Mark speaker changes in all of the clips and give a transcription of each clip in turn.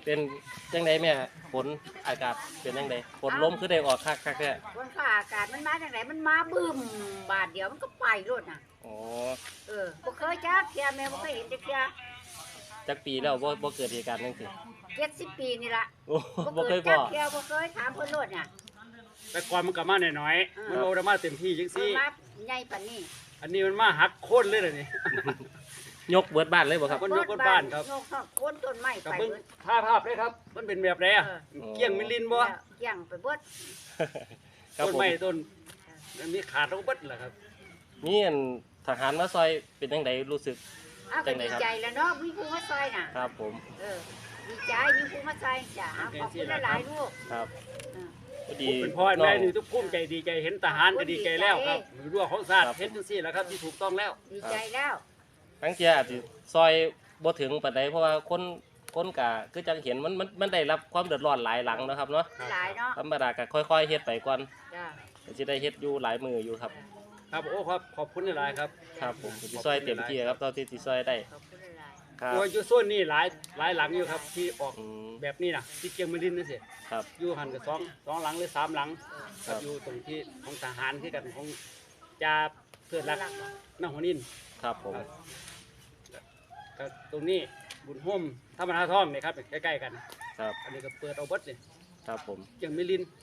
Speaker 1: เป็นจังไดแม่ฝนอากาศเป็นจังไดฝนล้มคือได้ออกคักแท้
Speaker 2: บนฟ้าอากาศมันมาจากไหนมันมาบึ้มบาทเดียวมันก็ไปรถน่ะ
Speaker 1: อ๋อ
Speaker 2: บ่เคยจักเที่ยแม่บ่เคยเห็นจักเที่ย
Speaker 1: จักปีแล้วบ่เกิดเหตุการณ์จังซี่
Speaker 2: 70 ปีนี่ล่ะ
Speaker 1: โอ้บ่เคยพอ
Speaker 2: เที่ยบ่เคยถามเพิ่นรถน่ะ
Speaker 3: แต่ก่อนมันก็มาหน่อยๆมันโอได้มาเต็มที่จังซี่
Speaker 2: มาใหญ่ปานนี้
Speaker 3: อันนี้มันมาหักโค่นเลยล่ะนี่
Speaker 1: ยกเบิดบ้านเลยบ่ครับ
Speaker 3: คนยกคนบ้านครับ
Speaker 2: ยกโคนต้นไม้
Speaker 3: กับ
Speaker 2: ไป
Speaker 3: เบิ่ง
Speaker 2: เบิด
Speaker 3: ภาพเลยครับมันเป็นแบบไรอ่ะเกี้ยงมิลินบ่
Speaker 2: เกี่ยงไปเบิด
Speaker 1: ครับ
Speaker 3: ต้น
Speaker 1: ผม
Speaker 3: ไม้ต้นมันมีขาดแล้วก็เบิดล่ะครับ
Speaker 1: มีอันทหารมาซอยเป็นจังไดรู้สึก
Speaker 2: อ้าวก็ดีใจแล้วเนาะมีผู้มาซอยน่ะ
Speaker 1: ครับผม
Speaker 2: ดีใจมีผู้มาซอยจ้ะขอบคุณหลายๆลูก
Speaker 1: ครับพอดี
Speaker 3: เป็นพ่อแม่นี่ทุกภูมิใจดีใจเห็นทหารก็ดีใจแล้วครับรั้วของชาติเฮ็ดจังซี่แหละครับที่ถูกต้องแล้ว
Speaker 2: ดีใจแล้ว
Speaker 1: ทั้งเที่ยอาจสิซอยบ่ถึงปานใดเพราะว่าคนกะคือจังเห็นมันได้รับความเดือดร้อนหลายหลังนะครับเนาะ
Speaker 2: หลายเนาะ
Speaker 1: ธรรมดาก็ค่อยๆเฮ็ดไปก่อน
Speaker 2: จ้ะ
Speaker 1: ก็สิได้เฮ็ดอยู่หลายมืออยู่ครับ
Speaker 3: ครับโอ้ครับขอบคุณหลายๆครับ
Speaker 1: ครับผมสิซอยเต็มที่ครับเท่าที่สิซอยได้
Speaker 2: ขอบคุณหลาย
Speaker 1: ครับ
Speaker 3: โอ้ยอยู่ส่วนนี้หลายหลังอยู่ครับที่ออก
Speaker 1: อืม
Speaker 3: แบบนี้นะที่เกียงมิลินนี่สิ
Speaker 1: ครับ
Speaker 3: อยู่หันกับสองหลังหรือ3 หลัง
Speaker 1: ครับ
Speaker 3: อยู่ตรงที่ของทหารคือกันของจ่าเพื่อนรักน้าหัวนิน
Speaker 1: ครับผม
Speaker 3: ก็ตรงนี้บุญโฮมธรรมนาท่องนี่ครับใกล้ๆกัน
Speaker 1: ครับ
Speaker 3: อันนี้ก็เปิดเอาเบิดนี่
Speaker 1: ครับผม
Speaker 3: เกียงมิลิน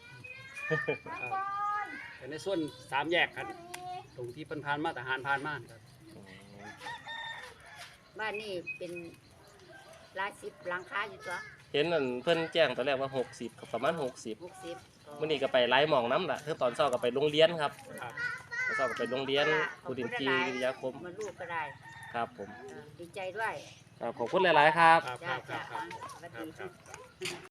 Speaker 3: แต่ในส่วน3 แยกครับตรงที่เพิ่นผ่านมาทหารผ่านมาครับ
Speaker 2: ๆบ้านนี้เป็นหลายสิบหลังคาอยู่ตัว
Speaker 1: เห็นนั่นเพิ่นแจ้งตอนแรกว่า60ครับประมาณ60
Speaker 2: 60
Speaker 1: มื้อนี้ก็ไปหลายหม่องน้ำล่ะคือตอนเช้าก็ไปโรงเรียนครับ
Speaker 3: ครับ
Speaker 1: ตอนเช้าก็ไปโรงเรียนกุดินทรีวิทยาคม
Speaker 2: มาลูกก็ได้
Speaker 1: ครับผม
Speaker 2: ดีใจด้วย
Speaker 1: ครับขอบคุณหลายๆครับ
Speaker 3: ครับ
Speaker 2: จ้า
Speaker 3: ครับ
Speaker 2: จ้า
Speaker 3: ครับ
Speaker 2: สวัส
Speaker 3: ครับ
Speaker 2: ดี
Speaker 3: ครับ